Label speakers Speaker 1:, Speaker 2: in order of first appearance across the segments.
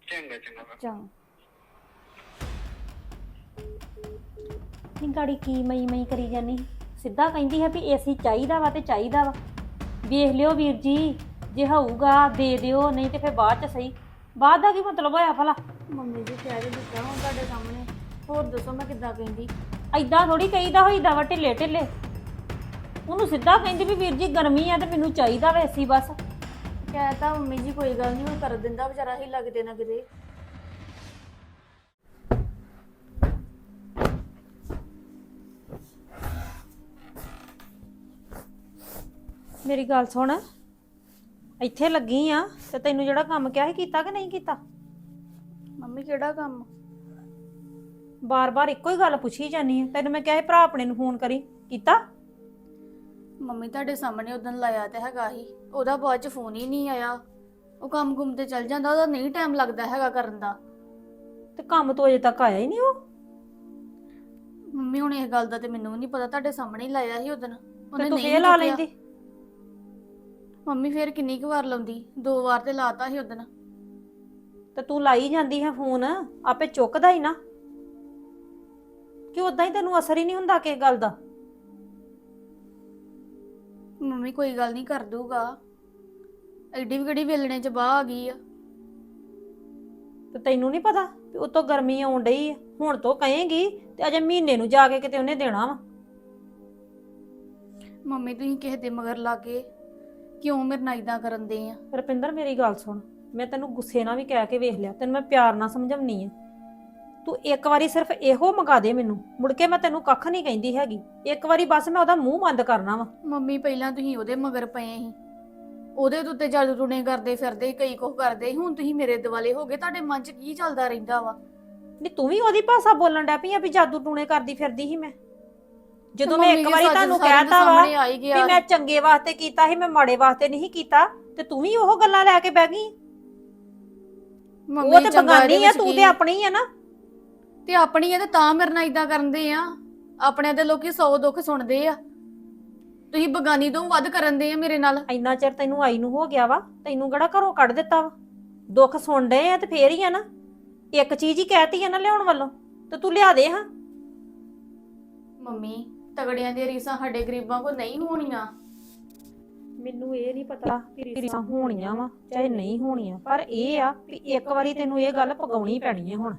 Speaker 1: ਚੰਗਾ ਚੰਗਾ ਵਾ।
Speaker 2: ਚੰਗਾ।
Speaker 3: ਨੀ ਗਾੜੀ ਕੀ ਮਈ ਕਰੀ ਜਾਨੀ ਸਿੱਧਾ ਕਹਿੰਦੀ ਹੈ ਵੀ ਏਸੀ ਚਾਹੀਦਾ ਵਾ ਤੇ ਚਾਹੀਦਾ ਵਾ। ਵੇਖ ਲਿਓ ਵੀਰ ਜੀ, ਜੇ ਹੋਊਗਾ ਦੇ ਦਿਓ, ਨਹੀਂ ਤੇ ਫਿਰ ਬਾਅਦ ਚ ਸਹੀ। ਬਾਅਦ ਦਾ ਕੀ ਮਤਲਬ ਹੋਇਆ ਭਲਾ?
Speaker 2: ਮੰਮੀ ਜੀ ਕਹਿ ਕੇ ਦਿੱਤਾ ਹੁਣ ਤੁਹਾਡੇ ਸਾਹਮਣੇ, ਹੋਰ ਦੱਸੋ ਮੈਂ ਕਿੱਦਾਂ ਕਹਿੰਦੀ?
Speaker 3: ਐਦਾਂ ਥੋੜੀ ਕਹੀਦਾ ਹੋਈਦਾ ਵਾ ਢਿੱਲੇ ਢਿੱਲੇ। ਉਹਨੂੰ ਸਿੱਧਾ ਕਹਿੰਦੀ ਵੀ ਵੀਰ ਜੀ ਗਰਮੀ ਆ ਤੇ ਮੈਨੂੰ ਚਾਹੀਦਾ ਵਾ ਏਸੀ ਬਸ।
Speaker 2: ਕਹਿਤਾ ਮੰਮੀ ਜੀ ਕੋਈ ਗੱਲ ਨਹੀਂ, ਉਹ ਕਰ ਦਿੰਦਾ ਵਿਚਾਰਾ ਹੀ ਲੱਗਦੇ ਨਾ ਕਿਤੇ।
Speaker 3: ਮੇਰੀ ਗੱਲ ਸੁਣ, ਇੱਥੇ ਲੱਗੀ ਆ ਤੇ ਤੈਨੂੰ ਜਿਹੜਾ ਕੰਮ ਕਿਹਾ ਸੀ ਕੀਤਾ ਕਿ ਨਹੀਂ ਕੀਤਾ?
Speaker 2: ਮੰਮੀ ਕਿਹੜਾ ਕੰਮ?
Speaker 3: ਬਾਰ-ਬਾਰ ਇੱਕੋ ਹੀ ਗੱਲ ਪੁੱਛੀ ਜਾਨੀ ਆ। ਤੈਨੂੰ ਮੈਂ ਕਿਹਾ ਸੀ ਭਰਾ ਆਪਣੇ ਨੂੰ ਫੋਨ ਕਰੀ, ਕੀਤਾ?
Speaker 2: ਮੰਮੀ ਤੁਹਾਡੇ ਸਾਹਮਣੇ ਉਦੋਂ ਲਾਇਆ ਤੇ ਹੈਗਾ ਹੀ, ਉਹਦਾ ਬਾਅਦ ਚ ਫੋਨ ਹੀ ਨਹੀਂ ਆਇਆ। ਉਹ ਕੰਮ ਗੁੰਮ ਤੇ ਚੱਲ ਜਾਂਦਾ, ਉਹਦਾ ਨਹੀਂ ਟਾਈਮ ਲੱਗਦਾ ਹੈਗਾ ਕਰਨ ਦਾ।
Speaker 3: ਤੇ ਕੰਮ ਤੋਂ ਅਜੇ ਤੱਕ ਆਇਆ ਹੀ ਨਹੀਂ ਉਹ।
Speaker 2: ਮੰਮੀ ਹੁਣ ਇਸ ਗੱਲ ਦਾ ਤੇ ਮੈਨੂੰ ਵੀ ਨਹੀਂ ਪਤਾ, ਤੁਹਾਡੇ ਸਾਹਮਣੇ ਹੀ ਲਾਇਆ ਸੀ ਉਦੋਂ,
Speaker 3: ਤੇ
Speaker 2: ਉਹਨੇ
Speaker 3: ਤੂੰ
Speaker 2: ਨਹੀਂ
Speaker 3: ਫੇਰ ਲਾ
Speaker 2: ਚੁੱਕਿਆ।
Speaker 3: ਲੈਂਦੀ।
Speaker 2: ਮੰਮੀ ਫੇਰ ਕਿੰਨੀ ਕੁ ਵਾਰ ਲਾਉਂਦੀ, 2 ਵਾਰ ਤੇ ਲਾਤਾ ਸੀ ਉਦੋਂ।
Speaker 3: ਤੇ ਤੂੰ ਲਾਈ ਜਾਂਦੀ ਹੈ ਫੋਨ, ਆਪੇ ਚੁੱਕਦਾ ਹੀ ਨਾ। ਕਿ ਉਦਾਂ ਹੀ ਤੈਨੂੰ ਅਸਰ ਹੀ ਨਹੀਂ ਹੁੰਦਾ ਕਿਸੇ ਗੱਲ ਦਾ?
Speaker 2: ਮੰਮੀ ਕੋਈ ਗੱਲ ਨਹੀਂ ਕਰ ਦੂਗਾ, ਐਡੀ ਵੀ ਕਿਹੜੀ ਵੇਲਣੇ ਚ ਬਾਹ ਆ ਗਈ ਆ।
Speaker 3: ਤੇ ਤੈਨੂੰ ਨਹੀਂ ਪਤਾ ਵੀ ਉਤੋਂ ਗਰਮੀ ਆਉਣ ਡਈ ਆ? ਹੁਣ ਤੋਂ ਕਹੇਂਗੀ ਤੇ ਅਜੇ ਮਹੀਨੇ ਨੂੰ ਜਾ ਕੇ ਕਿਤੇ ਉਹਨੇ ਦੇਣਾ ਵਾ।
Speaker 2: ਮੰਮੀ ਤੁਸੀਂ ਕਿਸੇ ਦੇ ਮਗਰ ਲਾਗੇ ਕਿਉਂ ਮੇਰੇ ਨਾਲ ਇਦਾਂ ਕਰਨ ਦੇ ਆ?
Speaker 3: ਰੁਪਿੰਦਰ ਮੇਰੀ ਗੱਲ ਸੁਣ, ਮੈਂ ਤੈਨੂੰ ਗੁੱਸੇ ਨਾਲ ਵੀ ਕਹਿ ਕੇ ਵੇਖ ਲਿਆ, ਤੈਨੂੰ ਮੈਂ ਪਿਆਰ ਨਾਲ ਸਮਝਾਉਣੀ ਆ। ਤੂੰ ਇੱਕ ਵਾਰੀ ਸਿਰਫ ਇਹੋ ਮੰਗਾ ਦੇ ਮੈਨੂੰ, ਮੁੜ ਕੇ ਮੈਂ ਤੈਨੂੰ ਕੱਖ ਨਹੀਂ ਕਹਿੰਦੀ ਹੈਗੀ। ਇੱਕ ਵਾਰੀ ਬਸ ਮੈਂ ਉਹਦਾ ਮੂੰਹ ਬੰਦ ਕਰਨਾ ਵਾ।
Speaker 2: ਮੰਮੀ ਪਹਿਲਾਂ ਤੁਸੀਂ ਉਹਦੇ ਮਗਰ ਪਏ ਸੀ, ਉਹਦੇ ਉੱਤੇ ਜਾਦੂ ਟੂਣੇ ਕਰਦੇ ਫਿਰਦੇ, ਕਈ ਕੁਝ ਕਰਦੇ ਸੀ। ਹੁਣ ਤੁਸੀਂ ਮੇਰੇ ਦਿਵਾਲੇ ਹੋ ਗਏ, ਤੁਹਾਡੇ ਮਨ 'ਚ ਕੀ ਚੱਲਦਾ ਰਹਿੰਦਾ ਵਾ?
Speaker 3: ਨਹੀਂ ਤੂੰ ਵੀ ਉਹਦੀ ਭਾਸ਼ਾ ਬੋਲਣ ਡੈ ਪਈ ਆ ਵੀ ਜਾਦੂ ਟੂਣੇ ਕਰਦੀ ਫਿਰਦੀ ਸੀ ਮੈਂ। ਜਦੋਂ ਮੈਂ
Speaker 2: ਮੰਮੀ
Speaker 3: ਇੱਕ
Speaker 2: ਜੀ
Speaker 3: ਵਾਰੀ
Speaker 2: ਸੱਚ
Speaker 3: ਤੁਹਾਨੂੰ
Speaker 2: ਸਾਰਿਆਂ ਦੇ
Speaker 3: ਕਹਿਤਾ ਵਾ
Speaker 2: ਸਾਹਮਣੇ ਆ ਹੀ
Speaker 3: ਵੀ
Speaker 2: ਗਿਆ
Speaker 3: ਮੈਂ
Speaker 2: ਸੀ।
Speaker 3: ਚੰਗੇ ਵਾਸਤੇ ਕੀਤਾ ਸੀ, ਮੈਂ ਮਾੜੇ ਵਾਸਤੇ ਨਹੀਂ ਕੀਤਾ, ਤੇ ਤੂੰ ਵੀ ਉਹ ਗੱਲਾਂ ਲੈ ਕੇ ਬਹਿ ਗਈ। ਉਹ ਤੇ
Speaker 2: ਚੰਗਾ ਇਹਦੇ
Speaker 3: ਬਗਾਨੀ ਆ,
Speaker 2: ਵਿੱਚ
Speaker 3: ਤੂੰ
Speaker 2: ਕੀ?
Speaker 3: ਤੇ ਆਪਣੀ ਆ ਨਾ।
Speaker 2: ਤੇ ਆਪਣੀ ਆ ਤੇ ਤਾਂ ਮੇਰੇ ਨਾਲ ਇਦਾਂ ਕਰਦੇ ਆ। ਆਪਣੇ ਦੇ ਲੋਕੀ 100 ਦੁੱਖ ਸੁਣਦੇ ਆ, ਤੁਸੀਂ ਬਗਾਨੀ ਤੋਂ ਵੱਧ ਕਰਨ ਦੇ ਆ ਮੇਰੇ ਨਾਲ।
Speaker 3: ਇੰਨਾ ਚਿਰ ਤੈਨੂੰ ਆਈ ਨੂੰ ਹੋ ਗਿਆ ਵਾ, ਤੈਨੂੰ ਕਿਹੜਾ ਘਰੋਂ ਕੱਢ ਦਿੱਤਾ ਵਾ? ਦੁੱਖ ਸੁਣ ਡਏ ਆ ਤੇ ਫੇਰ ਹੀ ਆ ਨਾ। ਇੱਕ ਚੀਜ਼ ਹੀ ਕਹਿਤੀ ਆ ਨਾ ਲਿਆਉਣ ਵੱਲੋਂ, ਤੇ ਤੂੰ ਲਿਆ ਦੇ ਹਾਂ।
Speaker 2: ਮੰਮੀ ਤਗੜਿਆਂ ਦੀਆਂ ਰੀਸਾਂ ਸਾਡੇ ਗਰੀਬਾਂ ਕੋ ਨਹੀਂ ਹੋਣੀਆਂ।
Speaker 3: ਮੈਨੂੰ ਇਹ ਨਹੀਂ ਪਤਾ ਕਿ ਰੀਸਾਂ ਹੋਣੀਆਂ ਵਾ ਚਾਹੇ ਨਹੀਂ ਹੋਣੀਆਂ, ਪਰ ਇਹ ਆ ਵੀ ਇੱਕ ਵਾਰੀ ਤੈਨੂੰ ਇਹ ਗੱਲ ਪਗਾਉਣੀ ਪੈਣੀ ਹੈ ਹੁਣ।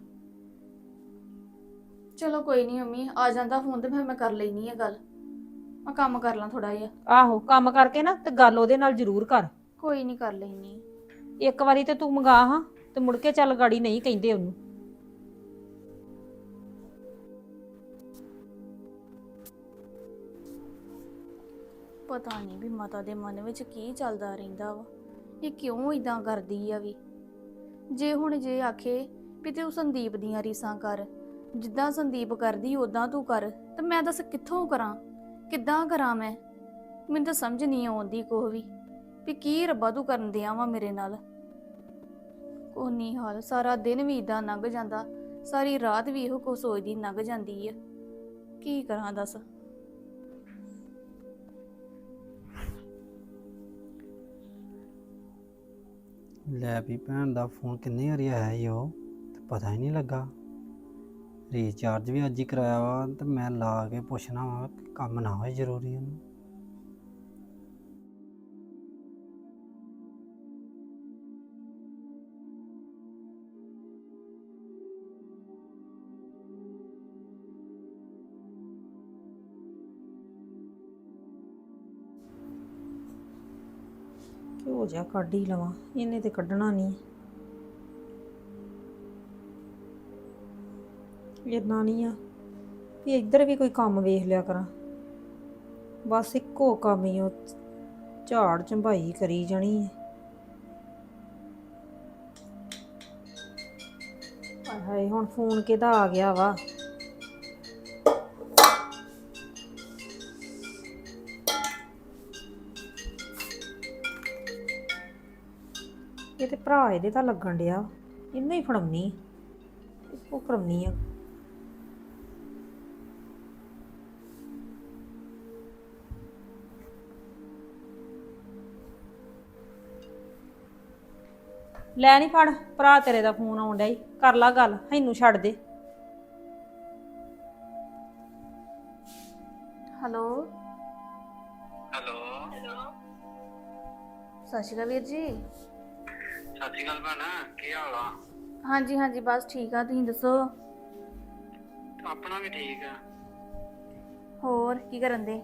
Speaker 2: ਚਲੋ ਕੋਈ ਨਹੀਂ ਮੰਮੀ, ਆ ਜਾਂਦਾ ਫੋਨ ਤੇ ਫਿਰ ਮੈਂ ਕਰ ਲੈਣੀ ਆ ਗੱਲ। ਮੈਂ ਕੰਮ ਕਰ ਲਾਂ ਥੋੜਾ ਜਿਹਾ।
Speaker 3: ਆਹੋ, ਕੰਮ ਕਰਕੇ ਨਾ ਤੇ ਗੱਲ ਉਹਦੇ ਨਾਲ ਜ਼ਰੂਰ ਕਰ।
Speaker 2: ਕੋਈ ਨਹੀਂ ਕਰ ਲੈਣੀ।
Speaker 3: ਇੱਕ ਵਾਰੀ ਤੇ ਤੂੰ ਮੰਗਾ ਹਾਂ, ਤੇ ਮੁੜ ਕੇ ਚੱਲ ਗਾੜੀ ਨਹੀਂ ਕਹਿੰਦੇ ਉਹਨੂੰ।
Speaker 2: ਪਤਾ ਨਹੀਂ ਵੀ ਮਾਤਾ ਦੇ ਮਨ ਵਿੱਚ ਕੀ ਚੱਲਦਾ ਰਹਿੰਦਾ ਵਾ, ਇਹ ਕਿਉਂ ਇਦਾਂ ਕਰਦੀ ਆ ਵੀ। ਜੇ ਆਖੇ ਵੀ ਤੂੰ ਸੰਦੀਪ ਦੀਆਂ ਰੀਸਾਂ ਕਰ, ਜਿੱਦਾਂ ਸੰਦੀਪ ਕਰਦੀ ਉਦਾਂ ਤੂੰ ਕਰ, ਤੇ ਮੈਂ ਦੱਸ ਕਿੱਥੋਂ ਕਰਾਂ, ਕਿੱਦਾਂ ਕਰਾਂ ਮੈਂ? ਮੈਨੂੰ ਤਾਂ ਸਮਝ ਨਹੀਂ ਆਉਂਦੀ ਕੁਛ ਵੀ ਕੀ ਰੱਬਾ ਤੂੰ ਕਰਨ ਦਿਆਂ ਵਾ ਮੇਰੇ ਨਾਲ। ਕੋਈ ਨਹੀਂ ਹਾਲ, ਸਾਰਾ ਦਿਨ ਵੀ ਇਦਾਂ ਲੰਘ ਜਾਂਦਾ, ਸਾਰੀ ਰਾਤ ਵੀ ਇਹੋ ਕੁਛ ਸੋਚਦੀ ਲੰਘ ਜਾਂਦੀ ਆ। ਕੀ ਕਰਾਂ ਦੱਸ?
Speaker 4: ਲੈ ਵੀ ਭੈਣ ਦਾ ਫੋਨ ਕਿੰਨੇ ਵਾਰੀ ਆਇਆ ਈ ਉਹ, ਤੇ ਪਤਾ ਹੀ ਨਹੀਂ ਲੱਗਾ। ਰੀਚਾਰਜ ਵੀ ਅੱਜ ਹੀ ਕਰਾਇਆ ਵਾ, ਤੇ ਮੈਂ ਲਾ ਕੇ ਪੁੱਛਣਾ ਵਾ ਕਿ ਕੰਮ ਨਾ ਹੋਏ ਜ਼ਰੂਰੀ ਉਹਨੂੰ।
Speaker 3: ਘਿਓ ਜਿਹਾ ਕੱਢ ਹੀ ਲਵਾਂ, ਇਹਨੇ ਤੇ ਕੱਢਣਾ ਨਹੀਂ। ਇੰਨਾ ਨਹੀਂ ਆ ਵੀ ਇੱਧਰ ਵੀ ਕੋਈ ਕੰਮ ਵੇਖ ਲਿਆ ਕਰਾਂ, ਬਸ ਇੱਕੋ ਕੰਮ ਹੀ ਉਹ ਝਾੜ ਝੰਬਾਈ ਕਰੀ ਜਾਣੀ ਹੈ। ਹਾਏ ਹਾਏ, ਹੁਣ ਫੋਨ ਕਿਹਦਾ ਆ ਗਿਆ ਵਾ? ਇਹ ਤੇ ਭਰਾ ਇਹਦੇ ਤਾਂ ਲੱਗਣ ਡਿਆ, ਇਹਨੂੰ ਹੀ ਫੜਾਉਣੀ, ਉਹ ਕਰਾਉਣੀ ਆ। ਲੈ ਨਹੀਂ ਫੜ, ਭਰਾ ਤੇਰੇ ਦਾ ਫੋਨ ਆਉਣ ਡਿਆ ਈ, ਕਰ ਲਾ ਗੱਲ, ਇਹਨੂੰ ਛੱਡ ਦੇ।
Speaker 2: ਹੈਲੋ
Speaker 1: ਹੈਲੋ
Speaker 2: ਸਤਿ ਸ਼੍ਰੀ ਅਕਾਲ ਵੀਰ ਜੀ।
Speaker 1: ਸਤਿ ਸ਼੍ਰੀ ਅਕਾਲ ਭੈਣ, ਕੀ ਹਾਲ ਆ?
Speaker 2: ਹਾਂਜੀ ਹਾਂਜੀ ਬਸ ਠੀਕ ਆ, ਤੁਸੀਂ ਦੱਸੋ
Speaker 1: ਆਪਣਾ ਵੀ ਠੀਕ ਆ।
Speaker 2: ਹੋਰ ਕੀ ਕਰਨ ਦੇ?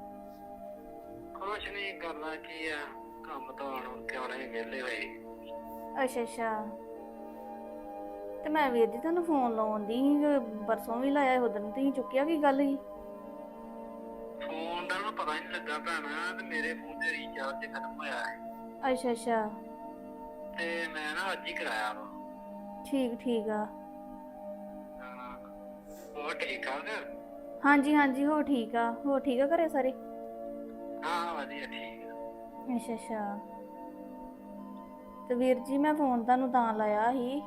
Speaker 1: ਕੁਛ ਨਹੀਂ ਕਰਨਾ, ਕੀ ਆ, ਕੰਮ ਤੋਂ ਆਉਣ ਕੇ ਆਉਣੇ ਵਿਹਲੇ ਹੋਏ।
Speaker 2: ਅੱਛਾ ਅੱਛਾ, ਤੇ ਮੈਂ ਵੀਰ ਜੀ ਤੁਹਾਨੂੰ ਫੋਨ ਲਾਉਣ ਦੀ ਸੀ, ਪਰਸੋਂ ਵੀ ਲਾਇਆ, ਉਦੋਂ ਤੁਸੀਂ ਚੁੱਕਿਆ, ਕੀ ਗੱਲ ਸੀ?
Speaker 1: ਫੋਨ ਦਾ ਨਾ ਪਤਾ ਨਹੀਂ ਲੱਗਾ ਭੈਣ, ਤੇ ਮੇਰੇ ਫੋਨ ਤੇ ਰੀਚਾਰਜ ਖਤਮ ਹੋਇਆ ਹੈ
Speaker 2: ਅੱਛਾ ਅੱਛਾ,
Speaker 1: ਤੇ ਮੈਂ ਨਾ ਅੱਜ ਹੀ ਕਰਾਇਆ ਵਾ।
Speaker 2: ਠੀਕ ਠੀਕ ਆ।
Speaker 1: ਹਾਂ, ਹੋਰ ਠੀਕ ਠਾਕ?
Speaker 2: ਹਾਂਜੀ ਹਾਂਜੀ ਹੋ ਠੀਕ ਆ, ਹੋ ਠੀਕ ਆ ਘਰੇ ਸਾਰੇ?
Speaker 1: ਹਾਂ ਵਧੀਆ ਠੀਕ ਆ।
Speaker 2: ਅੱਛਾ ਅੱਛਾ, ਤੇ ਵੀਰ ਜੀ ਮੈਂ ਫੋਨ ਤੁਹਾਨੂੰ ਤਾਂ ਲਾਇਆ ਸੀ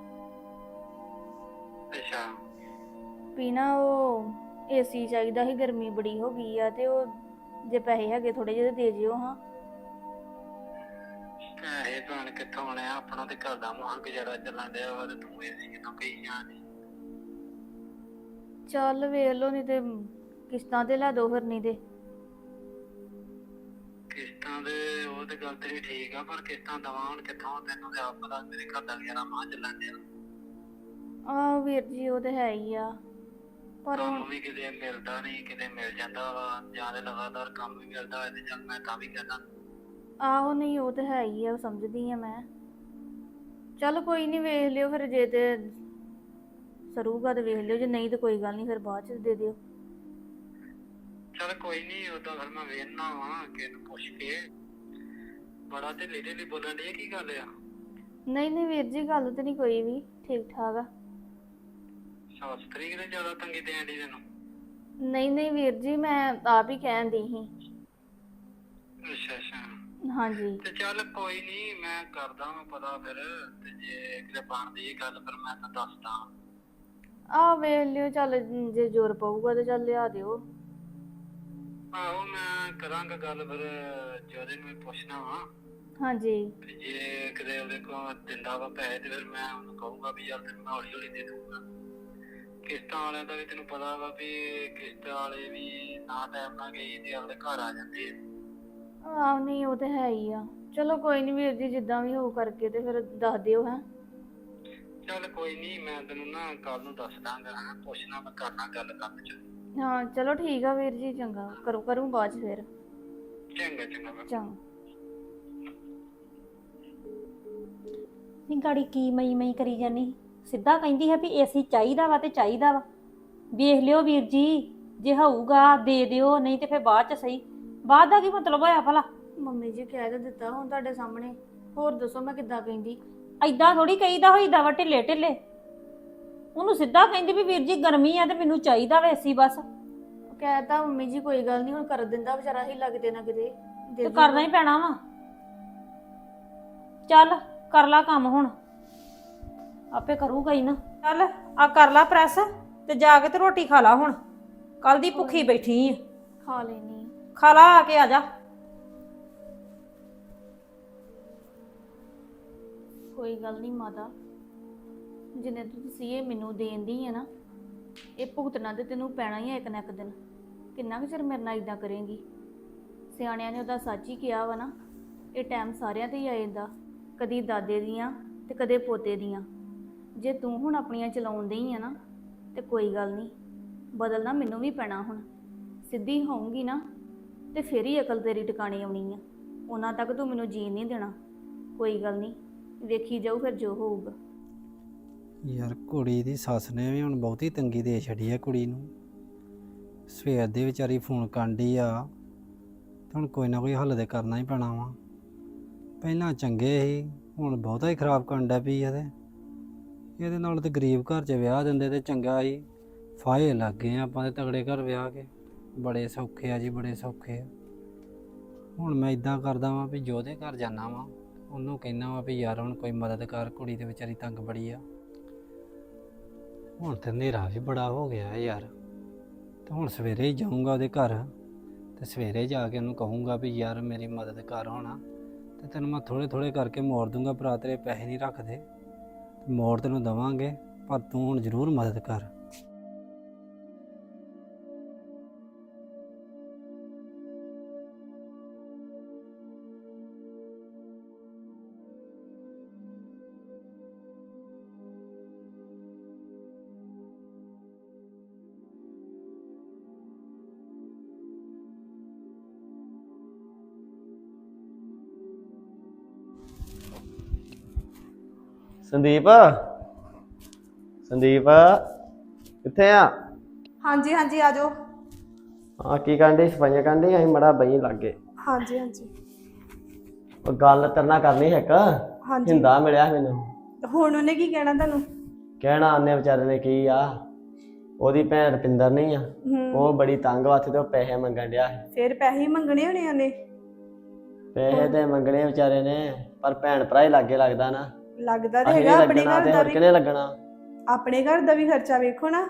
Speaker 1: ਅੱਛਾ
Speaker 2: ਵੀ ਨਾ ਉਹ ਏਸੀ ਚਾਹੀਦਾ ਸੀ, ਗਰਮੀ ਬੜੀ ਹੋ ਗਈ ਆ, ਤੇ ਉਹ ਜੇ ਪੈਸੇ ਹੈਗੇ ਥੋੜੇ ਜਿਹੇ ਦੇ ਜਿਓ ਹਾਂ।
Speaker 1: ਪੈਸੇ ਭੈਣ ਕਿੱਥੋਂ ਆਉਣੇ ਆ, ਆਪਣਾ ਤੇ ਘਰ ਦਾ ਮੁਹਾਂ ਗੁਜ਼ਾਰਾ ਚੱਲਣ ਡਿਆ ਵਾ, ਤੇ ਤੂੰ ਇਹ ਕਿਦੋਂ ਕਹੀ ਜਾਂਦੀ।
Speaker 2: ਚੱਲ ਵੇਖ ਲਓ, ਨਹੀਂ ਤੇ ਕਿਸ਼ਤਾਂ ਤੇ ਲੈ ਦੋ ਫਿਰ, ਨਹੀਂ ਤੇ
Speaker 1: ਕਿਸ਼ਤਾਂ ਦੇ ਉਹ ਤੇ ਗੱਲ ਤੇਰੀ ਠੀਕ ਆ, ਪਰ ਕਿਸ਼ਤਾਂ ਦਵਾਂ ਹੁਣ ਕਿੱਥੋਂ, ਤੈਨੂੰ ਤੇ ਆਪ ਪਤਾ ਮੇਰੇ ਘਰ ਦਾ ਗੁਜ਼ਾਰਾ ਮੁਹਾਂ ਚੱਲਣ ਡਿਆ।
Speaker 2: ਆਹ ਵੀਰ ਜੀ ਉਹ ਤੇ ਹੈ ਹੀ ਆ, ਪਰ
Speaker 1: ਕੰਮ
Speaker 2: ਹੁਣ
Speaker 1: ਵੀ ਕਿਤੇ ਮਿਲਦਾ ਨਹੀਂ, ਕਿਤੇ ਮਿਲ ਜਾਂਦਾ ਵਾ, ਜਾਂ ਤੇ ਲਗਾਤਾਰ ਕੰਮ ਵੀ ਮਿਲਦਾ ਹੋਇਆ ਤੇ ਚੱਲ ਮੈਂ ਤਾਂ ਵੀ ਕਹਿੰਦਾ।
Speaker 2: ਆਹੋ ਨਹੀਂ ਉਹ ਤੇ ਹੈ ਹੀ ਆ, ਸਮਝਦੀ ਆ ਮੈਂ। ਚੱਲ ਕੋਈ ਨਹੀਂ, ਵੇਖ ਲਿਓ ਫਿਰ, ਜੇ ਤੇ ਸਰੂਗਾ ਤੇ ਵੇਖ ਲਿਓ, ਜੇ ਨਹੀਂ ਤੇ ਕੋਈ ਗੱਲ ਨਹੀਂ, ਫਿਰ ਬਾਅਦ ਚ ਦੇ ਦਿਓ।
Speaker 1: ਚੱਲ ਕੋਈ ਨਹੀਂ, ਉਦਾਂ ਫਿਰ ਮੈਂ ਵੇਖਣਾ ਵਾ ਕਿਸੇ ਨੂੰ ਪੁੱਛ ਕੇ। ਬੜਾ ਢਿੱਲੀ ਢਿੱਲੀ ਬੋਲਣ ਡਈ, ਕੀ ਗੱਲ ਆ?
Speaker 2: ਨਹੀਂ ਨਹੀਂ ਵੀਰ ਜੀ, ਗੱਲ ਤੇ ਨਹੀਂ ਕੋਈ ਵੀ, ਠੀਕ ਠਾਕ ਆ।
Speaker 1: ਸ਼ਾਸਤਰੀ ਕਿਤੇ ਜ਼ਿਆਦਾ ਤੰਗੀ ਦੇਣ ਡਈ ਤੈਨੂੰ?
Speaker 2: ਨਹੀਂ ਨਹੀਂ ਵੀਰ ਜੀ, ਮੈਂ ਆਪ ਹੀ ਕਹਿਣ ਦੀ ਸੀ।
Speaker 1: ਅੱਛਾ ਅੱਛਾ,
Speaker 2: ਹਾਂਜੀ
Speaker 1: ਤੇ ਚੱਲ ਕੋਈ ਨਹੀਂ, ਮੈਂ ਕਰਦਾ ਮੈਂ ਪਤਾ ਫਿਰ, ਤੇ ਜੇ ਕਿਤੇ ਬਣਦੀ ਇਹ ਗੱਲ ਫਿਰ ਮੈਂ ਤਾਂ ਦੱਸਦਾ।
Speaker 2: ਆਹ ਵੇਖ ਲਿਓ, ਚੱਲ ਜੇ ਜ਼ੋਰ ਪਊਗਾ ਤੇ ਚੱਲ ਲਿਆ ਦਿਓ।
Speaker 1: ਆਹੋ ਮੈਂ ਕਰਾਂਗਾ ਗੱਲ ਫਿਰ, ਜੋਦੇ ਨੂੰ ਵੀ ਪੁੱਛਣਾ ਵਾ,
Speaker 2: ਹਾਂਜੀ
Speaker 1: ਤੇ ਜੇ ਕਿਤੇ ਉਹਦੇ ਕੋਲ ਦਿੰਦਾ ਵਾ ਪੈਸੇ ਤੇ ਫਿਰ ਮੈਂ ਉਹਨੂੰ ਕਹੂੰਗਾ ਵੀ ਯਾਰ ਤੈਨੂੰ ਮੈਂ ਹੌਲੀ ਹੌਲੀ ਦੇ ਦੂੰਗਾ। ਕਿਸ਼ਤਾਂ ਵਾਲਿਆਂ ਦਾ ਵੀ ਤੈਨੂੰ ਪਤਾ ਵਾ ਵੀ ਕਿਸ਼ਤ ਵਾਲੇ ਵੀ ਨਾ ਟਾਈਮ ਨਾਲ ਗਈ ਤੇ ਆਪਦੇ ਘਰ ਆ ਜਾਂਦੇ ਆ।
Speaker 2: ਆਹ ਨਹੀਂ ਉਹ ਤੇ ਹੈ ਹੀ ਆ। ਚਲੋ ਕੋਈ ਨਹੀਂ ਵੀਰ ਜੀ, ਜਿੱਦਾਂ ਵੀ ਹੋਊ ਕਰਕੇ ਤੇ ਫਿਰ ਦੱਸ ਦਿਓ ਹੈ।
Speaker 1: ਚੱਲ ਕੋਈ ਨਹੀਂ, ਮੈਂ ਤੈਨੂੰ ਨਾ ਕੱਲ ਨੂੰ ਦੱਸ ਦਾਂਗਾ, ਹਾਂ ਪੁੱਛਣਾ, ਮੈਂ ਕਰਨਾ ਗੱਲ ਕੰਮ ਚ।
Speaker 2: ਹਾਂ ਚਲੋ ਠੀਕ ਆ ਵੀਰ ਜੀ, ਚੰਗਾ, ਕਰੂੰ ਬਾਅਦ ਚ ਫਿਰ।
Speaker 1: ਚੰਗਾ ਚੰਗਾ ਮੈਂ
Speaker 2: ਚੰਗਾ।
Speaker 3: ਨਹੀਂ ਗਾੜੀ ਕੀ ਮਈ ਮਈ ਕਰੀ ਜਾਨੀ, ਸਿੱਧਾ ਕਹਿੰਦੀ ਹੈ ਵੀ ਏਸੀ ਚਾਹੀਦਾ ਵਾ ਤੇ ਚਾਹੀਦਾ ਵਾ। ਵੇਖ ਲਿਓ ਵੀਰ ਜੀ, ਜੇ ਹੋਊਗਾ ਦੇ ਦਿਓ, ਨਹੀਂ ਤੇ ਫਿਰ ਬਾਅਦ ਚ ਸਹੀ। ਬਾਅਦ ਦਾ ਕੀ ਮਤਲਬ ਹੋਇਆ ਭਲਾ?
Speaker 2: ਮੰਮੀ ਜੀ ਕਹਿ ਤਾਂ ਦਿੱਤਾ ਹੁਣ ਤੁਹਾਡੇ ਸਾਹਮਣੇ, ਹੋਰ ਦੱਸੋ ਮੈਂ ਕਿੱਦਾਂ ਕਹਿੰਦੀ?
Speaker 3: ਐਦਾਂ ਥੋੜੀ ਕਹੀਦਾ ਹੋਈਦਾ ਵਾ ਢਿੱਲੇ ਢਿੱਲੇ। ਉਹਨੂੰ ਸਿੱਧਾ ਕਹਿੰਦੀ ਵੀ ਵੀਰ ਜੀ ਗਰਮੀ ਆ ਤੇ ਮੈਨੂੰ ਚਾਹੀਦਾ ਵਾ ਏਸੀ ਬਸ।
Speaker 2: ਕਹਿਤਾ ਮੰਮੀ ਜੀ ਕੋਈ ਗੱਲ ਨਹੀਂ, ਹੁਣ ਕਰ ਦਿੰਦਾ ਵਿਚਾਰਾ, ਹੀ ਲੱਗਦੇ ਨਾ ਕਿਤੇ
Speaker 3: ਤੇ ਕਰਨਾ ਹੀ ਪੈਣਾ ਵਾ। ਚੱਲ ਕਰ ਲਾ ਕੰਮ ਹੁਣ, ਆਪੇ ਕਰੂਗਾ ਹੀ ਨਾ। ਚੱਲ ਆ ਕਰ ਲਾ ਪ੍ਰੈਸ ਤੇ ਜਾ ਕੇ ਤੇ ਰੋਟੀ ਖਾ ਲਾ ਹੁਣ, ਕੱਲ ਦੀ ਭੁੱਖੀ ਬੈਠੀ ਆ।
Speaker 2: ਖਾ ਲੈਣੀ।
Speaker 3: ਖਾ ਲਾ, ਆ ਕੇ ਆ ਜਾ।
Speaker 2: ਕੋਈ ਗੱਲ ਨਹੀਂ ਮਾਤਾ, ਜਿੰਨੇ ਤੁਸੀਂ ਇਹ ਮੈਨੂੰ ਦੇਂਦੀ ਹੈ ਨਾ, ਇਹ ਭੁਗਤਣਾ ਤੇ ਤੈਨੂੰ ਪੈਣਾ ਹੀ ਹੈ ਇੱਕ ਨਾ ਇੱਕ ਦਿਨ। ਕਿੰਨਾ ਕੁ ਚਿਰ ਮੇਰੇ ਨਾਲ ਇਦਾਂ ਕਰੇਂਗੀ? ਸਿਆਣਿਆਂ ਨੇ ਉਹਦਾ ਸੱਚ ਹੀ ਕਿਹਾ ਵਾ ਨਾ, ਇਹ ਟਾਈਮ ਸਾਰਿਆਂ ਤੇ ਹੀ ਆ ਜਾਂਦਾ, ਕਦੀ ਦਾਦੇ ਦੀਆਂ ਤੇ ਕਦੇ ਪੋਤੇ ਦੀਆਂ। ਜੇ ਤੂੰ ਹੁਣ ਆਪਣੀਆਂ ਚਲਾਉਣ ਡਈ ਆ ਨਾ, ਤੇ ਕੋਈ ਗੱਲ ਨਹੀਂ, ਬਦਲਣਾ ਮੈਨੂੰ ਵੀ ਪੈਣਾ ਹੁਣ। ਸਿੱਧੀ ਹੋਊਂਗੀ ਨਾ ਤੇ ਫਿਰ ਹੀ ਅਕਲ ਤੇਰੀ ਟਿਕਾਣੇ ਆਉਣੀ ਆ, ਉਹਨਾਂ ਤੱਕ ਤੂੰ ਮੈਨੂੰ ਜੀਣ ਨਹੀਂ ਦੇਣਾ। ਕੋਈ ਗੱਲ ਨਹੀਂ, ਵੇਖੀ ਜਾਊ ਫਿਰ ਜੋ ਹੋਊਗਾ।
Speaker 4: ਯਾਰ ਕੁੜੀ ਦੀ ਸੱਸ ਨੇ ਵੀ ਹੁਣ ਬਹੁਤੀ ਤੰਗੀ ਦੇ ਛੱਡੀ ਆ ਕੁੜੀ ਨੂੰ। ਸਵੇਰ ਦੇ ਵਿਚਾਰੀ ਫੋਨ ਕਰਨ ਡਈ ਆ, ਤੇ ਹੁਣ ਕੋਈ ਨਾ ਕੋਈ ਹੱਲ ਤੇ ਕਰਨਾ ਹੀ ਪੈਣਾ ਵਾ। ਪਹਿਲਾਂ ਚੰਗੇ ਸੀ, ਹੁਣ ਬਹੁਤਾ ਹੀ ਖਰਾਬ ਕਰਨ ਡਿਆ ਪਈ ਇਹਦੇ ਨਾਲ ਤੇ ਗਰੀਬ ਘਰ 'ਚ ਵਿਆਹ ਦਿੰਦੇ ਤੇ ਚੰਗਾ ਸੀ। ਫਾਹੇ ਲੱਗ ਗਏ ਆਪਾਂ ਤੇ ਤਗੜੇ ਘਰ ਵਿਆਹ ਕੇ, ਬੜੇ ਸੌਖੇ ਆ ਜੀ, ਬੜੇ ਸੌਖੇ ਆ। ਹੁਣ ਮੈਂ ਇਦਾਂ ਕਰਦਾ ਵਾਂ ਵੀ ਜੋਦੇ ਘਰ ਜਾਣਾ ਵਾਂ, ਉਹਨੂੰ ਕਹਿਣਾ ਵਾ ਵੀ ਯਾਰ ਹੁਣ ਕੋਈ ਮਦਦ ਕਰ, ਕੁੜੀ ਤੇ ਵਿਚਾਰੀ ਤੰਗ ਬੜੀ ਆ। ਹੁਣ ਤੇ ਹਨੇਰਾ ਵੀ ਬੜਾ ਹੋ ਗਿਆ ਯਾਰ, ਤੇ ਹੁਣ ਸਵੇਰੇ ਹੀ ਜਾਊਂਗਾ ਉਹਦੇ ਘਰ, ਤੇ ਸਵੇਰੇ ਜਾ ਕੇ ਉਹਨੂੰ ਕਹੂੰਗਾ ਵੀ ਯਾਰ ਮੇਰੀ ਮਦਦ ਕਰ ਹੋਣਾ, ਤੇ ਤੈਨੂੰ ਮੈਂ ਥੋੜੇ ਥੋੜੇ ਕਰਕੇ ਮੋੜ ਦੂੰਗਾ ਭਰਾ, ਤੇਰੇ ਪੈਸੇ ਨਹੀਂ ਰੱਖਦੇ, ਮੋੜ ਤੈਨੂੰ ਦਵਾਂਗੇ, ਪਰ ਤੂੰ ਹੁਣ ਜ਼ਰੂਰ ਮਦਦ ਕਰ।
Speaker 5: ਸੰਦੀਪ ਸੰਦੀਪ ਕਿੱਥੇ ਆ?
Speaker 6: ਹਾਂਜੀ ਹਾਂਜੀ ਆ ਜਾਓ।
Speaker 5: ਹਾਂ ਕੀ ਕਾਂਡੇ ਸਫਾਈਆਂ ਕਾਂਡੇ ਅਸੀਂ ਮੜਾ ਬਈ ਲੱਗੇ।
Speaker 6: ਹਾਂਜੀ ਹਾਂਜੀ
Speaker 5: ਉਹ ਗੱਲ ਤੇਰੇ ਨਾਲ ਕਰਨੀ ਹੈ ਇੱਕ।
Speaker 6: ਹਾਂਜੀ
Speaker 5: ਹਿੰਦਾ ਮਿਲਿਆ ਮੈਨੂੰ।
Speaker 6: ਹੁਣ ਉਹਨੇ ਕੀ ਕਹਿਣਾ ਤੁਹਾਨੂੰ?
Speaker 5: ਕਹਿਣਾ ਆਨੇ ਵਿਚਾਰੇ ਨੇ ਕੀ ਆ, ਉਹਦੀ ਭੈਣ ਰਪਿੰਦਰ ਨਹੀਂ ਆ, ਉਹ ਬੜੀ ਤੰਗ ਵਾਥੇ ਤੇ ਉਹ ਪੈਸੇ ਮੰਗਣ ਡਿਆ ਸੀ।
Speaker 6: ਫਿਰ ਪੈਸੇ ਹੀ ਮੰਗਣੇ ਹੋਣੇ ਉਹਨੇ।
Speaker 5: ਪੈਸੇ ਤੇ ਮੰਗਣੇ ਵਿਚਾਰੇ ਨੇ, ਪਰ ਭੈਣ ਭਰਾ ਹੀ ਲਾਗੇ ਲੱਗਦਾ ਨਾ।
Speaker 6: ਲੱਗਦਾ ਤੇ
Speaker 5: ਅਸੀਂ
Speaker 6: ਹੈਗਾ ਆਪਣੇ
Speaker 5: ਲੱਗਣਾ
Speaker 6: ਘਰ
Speaker 5: ਤੇ
Speaker 6: ਦਾ
Speaker 5: ਹੋਰ
Speaker 6: ਵੀ।
Speaker 5: ਕਿਹਨੇ ਲੱਗਣਾ?
Speaker 6: ਆਪਣੇ ਘਰ ਦਾ ਵੀ ਖਰਚਾ ਵੇਖੋ ਨਾ,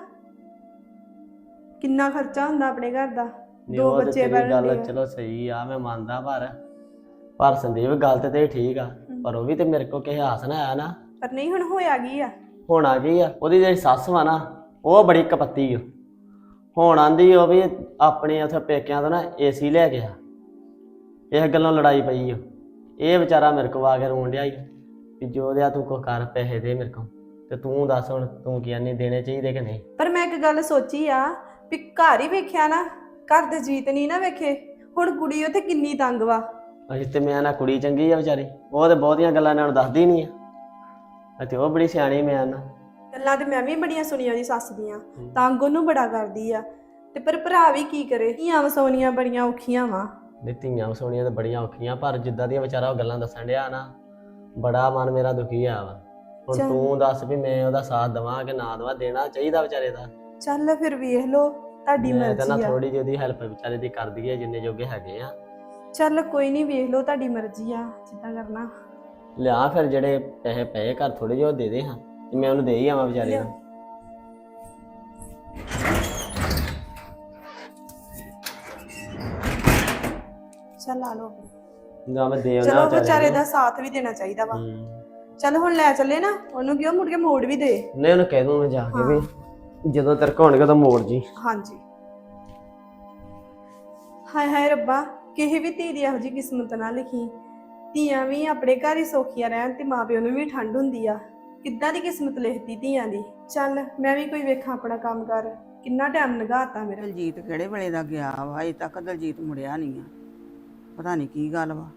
Speaker 6: ਕਿੰਨਾ ਖਰਚਾ ਹੁੰਦਾ ਆਪਣੇ ਘਰ ਦਾ।
Speaker 5: ਨਹੀਂ,
Speaker 6: ਦੋ
Speaker 5: ਉਹ ਤੇ
Speaker 6: ਬੱਚੇ
Speaker 5: ਤੇਰੀ
Speaker 6: ਪਾਲਣ
Speaker 5: ਗੱਲ
Speaker 6: ਦੇ।
Speaker 5: ਚਲੋ ਸਹੀ ਆ, ਮੈਂ ਮੰਨਦਾ, ਪਰ ਸੰਦੀਪ ਗੱਲ ਤੇ ਠੀਕ ਆ, ਪਰ ਉਹ ਵੀ ਤੇ ਮੇਰੇ ਕੋਲ ਕਿਸੇ ਆਸ ਨਾ ਆਇਆ ਨਾ।
Speaker 6: ਪਰ ਨਹੀਂ ਹੁਣ ਹੋਇਆ ਕੀ ਆ?
Speaker 5: ਹੋਣਾ ਕੀ ਆ, ਉਹਦੀ ਜਿਹੜੀ ਸੱਸ ਵਾ ਨਾ ਉਹ ਬੜੀ ਕਪੱਤੀ ਆ। ਹੁਣ ਆਂਦੀ ਉਹ ਵੀ ਆਪਣੇ ਉੱਥੇ ਪੇਕਿਆਂ ਤੋਂ ਨਾ ਏਸੀ ਲੈ ਗਿਆ, ਇਸ ਗੱਲੋਂ ਲੜਾਈ ਪਈ ਆ। ਇਹ ਵਿਚਾਰਾ ਮੇਰੇ ਕੋਲ ਆ ਕੇ ਰੋਣ ਡਿਆ ਵੀ ਜੋ ਦਿਆ ਤੂੰ ਕੋ ਕਰ, ਪੈਸੇ ਦੇ ਮੇਰੇ ਕੋਲ। ਤੇ ਤੂੰ ਦੱਸ ਹੁਣ ਤੂੰ ਕੀ ਨਹੀਂ ਦੇਣੇ ਚਾਹੀਦੇ ਕਿ ਨਹੀਂ?
Speaker 6: ਪਰ ਮੈਂ ਇੱਕ ਗੱਲ ਸੋਚੀ ਆ ਵੀ ਘਰ ਹੀ ਵੇਖਿਆ ਨਾ, ਘਰ ਦੇ ਜੀਤ ਨਹੀਂ ਨਾ ਵੇਖੇ। ਹੁਣ ਕੁੜੀ ਉੱਥੇ ਕਿੰਨੀ ਤੰਗ ਵਾ।
Speaker 5: ਅਸੀਂ ਤੇ ਮੈਂ ਨਾ ਕੁੜੀ ਚੰਗੀ ਆ ਵਿਚਾਰੀ, ਉਹ ਤੇ ਬਹੁਤੀਆਂ ਗੱਲਾਂ ਇਹਨਾਂ ਨੂੰ ਦੱਸਦੀ ਨਹੀਂ ਆ, ਤੇ ਉਹ ਬੜੀ ਸਿਆਣੀ ਮੈਂ ਨਾ।
Speaker 6: ਗੱਲਾਂ ਤੇ ਮੈਂ ਵੀ ਬੜੀਆਂ ਸੁਣੀਆਂ ਉਹਦੀ ਸੱਸ ਦੀਆਂ, ਤੰਗ ਉਹਨੂੰ ਬੜਾ ਕਰਦੀ ਆ। ਤੇ ਪਰ ਭਰਾ ਵੀ ਕੀ ਕਰੇ, ਧੀਆਂ ਵਸਾਉਣੀਆਂ ਬੜੀਆਂ ਔਖੀਆਂ ਵਾ।
Speaker 5: ਨਹੀਂ ਧੀਆਂ ਵਸਾਉਣੀਆਂ ਤਾਂ ਬੜੀਆਂ ਔਖੀਆਂ, ਪਰ ਜਿੱਦਾਂ ਦੀਆਂ ਵਿਚਾਰਾ ਉਹ ਗੱਲਾਂ ਦੱਸਣ ਡਿਆ ਨਾ, ਬੜਾ ਮਨ ਮੇਰਾ ਦੁਖੀ ਆ ਵਾ। ਹੁਣ ਤੂੰ ਦੱਸ ਵੀ ਮੈਂ ਉਹਦਾ ਸਾਥ ਦੇਵਾਂ ਕਿ ਨਾ ਦੇਵਾਂ? ਦੇਣਾ ਚਾਹੀਦਾ ਵਿਚਾਰੇ ਦਾ।
Speaker 6: ਚੱਲ ਫਿਰ ਵੇਖ ਲਓ, ਤੁਹਾਡੀ
Speaker 5: ਮੈਂ ਤਾਂ ਨਾ
Speaker 6: ਮਰਜ਼ੀ ਆ।
Speaker 5: ਥੋੜੀ ਜਿਹੀ ਉਹਦੀ ਹੈਲਪ ਵਿਚਾਰੇ ਦੀ ਕਰ ਦਈਏ ਜਿੰਨੇ ਜੋਗੇ ਹੈਗੇ ਆ।
Speaker 6: ਚੱਲ ਕੋਈ ਨਹੀਂ, ਵੇਖ ਲਓ, ਤੁਹਾਡੀ ਮਰਜ਼ੀ ਆ ਜਿੱਦਾਂ ਕਰਨਾ।
Speaker 5: ਲਿਆ ਫਿਰ ਜਿਹੜੇ ਪੈਸੇ ਪਏ ਘਰ ਥੋੜੇ ਜਿਹੇ ਉਹ ਦੇ ਦੇ ਹਾਂ, ਤੇ ਮੈਂ ਉਹਨੂੰ ਦੇ ਹੀ ਆਵਾਂ ਵਿਚਾਰੇ ਨੂੰ।
Speaker 6: ਚੱਲ ਆ ਲਓ।
Speaker 5: ਜਾਂ ਮੈਂ ਦੇ ਆਉਣਾ
Speaker 6: ਚਲੋ
Speaker 5: ਵਿਚਾਰੇ
Speaker 6: ਵਿਚਾਰੇ
Speaker 5: ਨੂੰ।
Speaker 6: ਦਾ ਸਾਥ ਵੀ ਦੇਣਾ ਚਾਹੀਦਾ ਵਾ।
Speaker 5: ਹੂੰ।
Speaker 6: ਚੱਲ ਹੁਣ ਲੈ ਚੱਲੇ ਨਾ ਉਹਨੂੰ, ਕਿਉਂ ਮੁੜ ਕੇ ਮੋੜ ਵੀ ਦੇ।
Speaker 5: ਨਹੀਂ ਉਹਨੂੰ ਕਹਿ ਦੂੰ ਮੈਂ ਜਾ ਕੇ ਵੀ ਜਦੋਂ ਤੇਰੇ ਕੋਲ ਹੋਣਗੇ ਤਾਂ ਮੋੜ ਜੀ।
Speaker 6: ਹਾਂਜੀ। ਹਾਏ ਹਾਏ ਰੱਬਾ, ਕਿਸੇ ਵੀ ਧੀ ਦੀ ਇਹੋ ਜਿਹੀ ਕਿਸਮਤ ਨਾ ਲਿਖੀ। ਧੀਆਂ ਵੀ ਆਪਣੇ ਘਰ ਹੀ ਸੌਖੀਆਂ ਰਹਿਣ ਤੇ ਮਾਪਿਓ ਨੂੰ ਵੀ ਠੰਡ ਹੁੰਦੀ ਆ। ਕਿੱਦਾਂ ਦੀ ਕਿਸਮਤ ਲਿਖਦੀ ਧੀਆਂ ਦੀ। ਚੱਲ ਮੈਂ ਵੀ ਕੋਈ ਵੇਖਾਂ ਆਪਣਾ ਕੰਮ ਕਰ, ਕਿੰਨਾ ਟਾਈਮ ਲੰਘਾਤਾ ਮੇਰਾ।
Speaker 7: ਦਲਜੀਤ ਕਿਹੜੇ ਵੇਲੇ ਦਾ ਗਿਆ ਵਾ, ਅਜੇ ਤੱਕ ਦਲਜੀਤ ਮੁੜਿਆ ਨਹੀਂ ਆ। ਪਤਾ ਨਹੀਂ ਕੀ ਗੱਲ ਵਾ।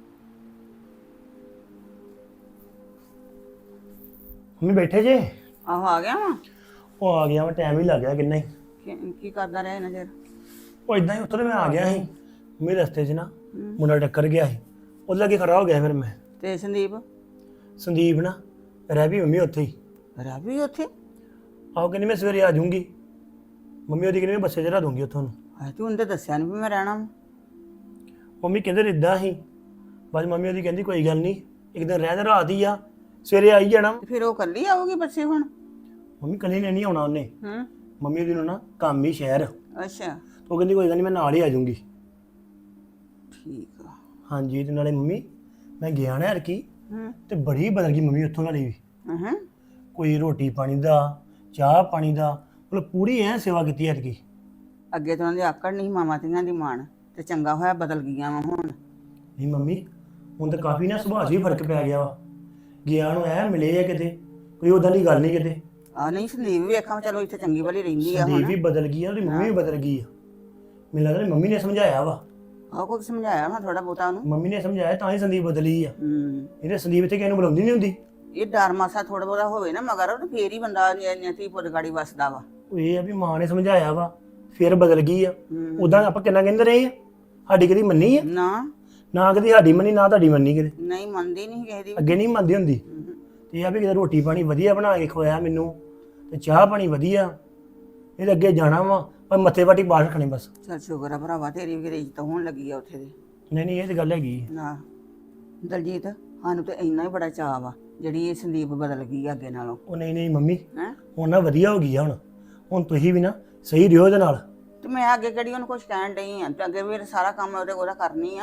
Speaker 8: ਮੰਮੀ ਬੈਠੇ ਜੇ?
Speaker 7: ਆਹੋ ਆ ਗਿਆ ਵਾ।
Speaker 8: ਉਹ ਆ ਗਿਆ, ਮੈਂ ਟਾਈਮ ਹੀ ਲੱਗ ਗਿਆ ਕਿੰਨਾ ਹੀ।
Speaker 7: ਕੀ ਕਰਦਾ ਰਿਹਾ ਨਜ਼ਰ?
Speaker 8: ਉਹ ਇਦਾਂ ਹੀ ਉੱਤਰ ਮੈਂ ਆ ਗਿਆ ਸੀ, ਮੇਰੇ ਰਸਤੇ 'ਚ ਨਾ ਮੁੰਡਾ ਟੱਕਰ ਗਿਆ ਸੀ, ਉਹਦੇ ਲਾਗੇ ਖੜਾ ਹੋ ਗਿਆ ਫਿਰ ਮੈਂ।
Speaker 7: ਤੇ
Speaker 8: ਸੰਦੀਪ ਨਾ ਰਹਿ ਵੀ ਮੰਮੀ ਉੱਥੇ ਹੀ।
Speaker 7: ਰਾਵੀ ਉੱਥੇ?
Speaker 8: ਆਹੋ ਕਹਿੰਦੀ ਮੈਂ ਸਵੇਰੇ ਆ ਜਾਊਂਗੀ। ਮੰਮੀ ਉਹਦੀ ਕਹਿੰਦੀ ਮੈਂ ਬੱਸੇ 'ਚ ਰਹਿ ਦੂੰਗੀ ਉੱਥੋਂ ਨੂੰ।
Speaker 7: ਤੂੰ ਉਹਨੇ ਦੱਸਿਆ ਨਹੀਂ ਵੀ ਮੈਂ ਰਹਿਣਾ ਵਾ।
Speaker 8: ਮੰਮੀ ਕਹਿੰਦੇ ਇਦਾਂ ਹੀ, ਬਾਅਦ ਮੰਮੀ ਉਹਦੀ ਕਹਿੰਦੀ ਕੋਈ ਗੱਲ ਨਹੀਂ, ਇੱਕ ਦਿਨ ਰਹਿ ਰਾਤ ਹੀ ਆ, ਸਵੇਰੇ ਆਈ ਜਾਣਾ।
Speaker 7: ਤੇ ਫਿਰ ਉਹ ਕੱਲੀ ਆਊਗੀ ਬੱਸੇ ਹੁਣ?
Speaker 8: ਮੰਮੀ ਕੱਲੀ ਨੇ ਨਹੀਂ ਆਉਣਾ ਉਹਨੇ।
Speaker 7: ਹੂੰ।
Speaker 8: ਮੰਮੀ ਉਹਦੀ ਨੂੰ ਨਾ ਕੰਮ ਹੀ ਸ਼ਹਿਰ,
Speaker 7: ਅੱਛਾ
Speaker 8: ਉਹ ਕਹਿੰਦੀ ਕੋਈ ਗੱਲ ਨਹੀਂ ਮੈਂ ਨਾਲ ਹੀ ਆ ਜਾਊਂਗੀ।
Speaker 7: ਠੀਕ ਆ।
Speaker 8: ਹਾਂਜੀ, ਤੇ ਨਾਲੇ ਮੰਮੀ ਮੈਂ ਗਿਆ ਨਾ ਕੀ
Speaker 7: ਹੂੰ।
Speaker 8: ਤੇ ਬੜੀ ਬਦਲ ਗਈ ਮੰਮੀ ਉੱਥੋਂ ਵਾਲੀ ਵੀ।
Speaker 7: ਹਾਂ।
Speaker 8: ਕੋਈ ਰੋਟੀ ਪਾਣੀ ਦਾ, ਚਾਹ ਪਾਣੀ ਦਾ, ਮਤਲਬ ਪੂਰੀ ਐ ਸੇਵਾ ਕੀਤੀ ਐਤਕੀ।
Speaker 7: ਅੱਗੇ ਤਾਂ ਉਹਨਾਂ ਦੀ ਆਕੜ ਨਹੀਂ ਮਾਮਾ ਧੀਆਂ ਦੀ ਮਾਣ, ਤੇ ਚੰਗਾ ਹੋਇਆ ਬਦਲ ਗਈਆਂ ਵਾ ਹੁਣ।
Speaker 8: ਨਹੀਂ ਮੰਮੀ ਹੁਣ ਤਾਂ ਕਾਫੀ ਨਾ ਸੁਭਾਅ 'ਚ ਵੀ ਫਰਕ ਪੈ ਗਿਆ ਵਾ। ਗਿਆ ਨੂੰ ਐ ਮਿਲੇ ਆ ਕਿਤੇ, ਕੋਈ ਉਦਾਂ ਦੀ ਗੱਲ ਨਹੀਂ ਕਿਤੇ।
Speaker 7: ਆ ਨਹੀਂ ਸੰਦੀਪ ਵੇਖਾਂ, ਚਲੋ ਇੱਥੇ ਚੰਗੀ ਭਲੀ ਰਹਿੰਦੀ ਆ
Speaker 8: ਸੰਦੀਪ
Speaker 7: ਹੁਣ।
Speaker 8: ਵੀ ਬਦਲ ਗਈ ਆ, ਉਹਦੀ ਮੰਮੀ ਵੀ ਬਦਲ ਗਈ ਆ। ਮੈਨੂੰ ਲੱਗਦਾ ਮੰਮੀ ਨੇ ਸਮਝਾਇਆ ਵਾ।
Speaker 7: ਆਹ ਕੋਈ ਸਮਝਾਇਆ ਨਾ ਥੋੜਾ ਬਹੁਤਾ ਉਹਨੂੰ।
Speaker 8: ਮੰਮੀ ਨੇ ਸਮਝਾਇਆ ਤਾਂ ਹੀ ਸੰਦੀਪ ਬਦਲੀ ਆ।
Speaker 7: ਹੂੰ।
Speaker 8: ਇਹਦੇ ਸੰਦੀਪ ਇੱਥੇ ਕਿਸੇ ਨੂੰ ਬੁਲਾਉਂਦੀ ਨਹੀਂ ਹੁੰਦੀ।
Speaker 7: ਇਹ ਡਰ ਮਾਸਾ ਥੋੜਾ ਬਹੁਤਾ ਹੋਵੇ ਨਾ ਮਗਰ, ਉਹ ਫੇਰ ਹੀ ਬੰਦਾ ਧੀ ਪੁੱਤ ਗਾੜੀ ਵਸਦਾ ਵਾ।
Speaker 8: ਉਹ ਇਹ ਆ ਵੀ ਮਾਂ ਨੇ ਸਮਝਾਇਆ ਵਾ, ਫਿਰ ਬਦਲ ਗਈ ਆ। ਉਦਾਂ ਆਪਾਂ ਕਿੰਨਾ ਕਹਿੰਦੇ ਰਹੇ ਆ, ਸਾਡੀ ਕਦੀ ਮੰਨੀ ਆ? ਨਾ ਕਦੀ ਸਾਡੀ ਮੰਨੀ, ਨਾ ਤੁਹਾਡੀ ਮੰਨੀ ਕਿਤੇ।
Speaker 7: ਨਹੀਂ ਮੰਨਦੀ ਨਹੀਂ ਕਿਸੇ ਦੀ।
Speaker 8: ਅੱਗੇ ਨਹੀਂ ਮੰਨਦੀ ਹੁੰਦੀ। ਤੇ ਇਹ ਆ ਵੀ ਕਿਤੇ ਰੋਟੀ ਪਾਣੀ ਵਧੀਆ ਬਣਾ ਕੇ ਖਵਾਇਆ ਮੈਨੂੰ, ਤੇ ਚਾਹ ਪਾਣੀ ਵਧੀਆ। ਇਹਦੇ ਅੱਗੇ ਜਾਣਾ ਵਾ, ਪਰ ਮੱਥੇ ਵਾਟੀ ਬਾਹਰ ਰੱਖਣੇ ਬਸ।
Speaker 7: ਚੱਲ ਸ਼ੁਕਰ ਆ ਭਰਾਵਾ, ਤੇਰੀ ਵੀ ਇੱਜ਼ਤ ਹੋਣ ਲੱਗੀ ਆ ਉੱਥੇ ਦੀ।
Speaker 8: ਨਹੀਂ ਇਹ ਤੇ ਗੱਲ ਹੈਗੀ।
Speaker 7: ਨਾ ਦਲਜੀਤ, ਸਾਨੂੰ ਤੇ ਇੰਨਾ ਹੀ ਬੜਾ ਚਾਅ ਵਾ ਜਿਹੜੀ ਇਹ ਸੰਦੀਪ ਬਦਲ ਗਈ ਅੱਗੇ ਨਾਲੋਂ।
Speaker 8: ਉਹ ਨਹੀਂ ਮੰਮੀ,
Speaker 7: ਹੈਂ?
Speaker 8: ਹੁਣ ਨਾ ਵਧੀਆ ਹੋ ਗਈ ਆ। ਹੁਣ ਤੁਸੀਂ ਵੀ ਨਾ ਸਹੀ ਰਿਓ ਇਹਦੇ ਨਾਲ।
Speaker 7: ਤੇ ਮੈਂ ਅੱਗੇ ਕਿਹੜੀ ਉਹਨੂੰ ਕੁਝ ਕਹਿਣ ਡਈ ਆ, ਤੇ ਅੱਗੇ ਵੀ ਸਾਰਾ ਕੰਮ ਉਹਦਾ ਕਰਨੀ ਆ।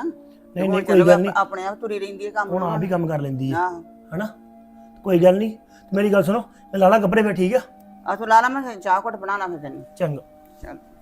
Speaker 8: ਨਹੀਂ
Speaker 7: ਹੁਣ
Speaker 8: ਨਹੀਂ ਕੋਈ
Speaker 7: ਚਲੋ
Speaker 8: ਗੱਲ ਨਹੀਂ,
Speaker 7: ਆਪਣੇ ਆਪ ਤੁਰੀ ਰਹਿੰਦੀ ਹੈ ਕੰਮ
Speaker 8: ਹੁਣ ਆਪ ਹੀ ਕੰਮ ਕਰ ਲੈਂਦੀ ਆ
Speaker 7: ਆਹੋ
Speaker 8: ਹਨਾ। ਕੋਈ ਗੱਲ ਨਹੀਂ, ਮੇਰੀ ਗੱਲ ਸੁਣੋ, ਮੈਂ ਲਾ ਲਾ ਕੱਪੜੇ ਫਿਰ, ਠੀਕ ਆ?
Speaker 7: ਆ ਤੂੰ ਲਾ ਲਾ, ਮੈਂ ਚਾਹ ਘੁੱਟ ਬਣਾਣਾ ਫਿਰ ਤੈਨੂੰ।
Speaker 8: ਚੰਗਾ।
Speaker 7: ਚੱਲ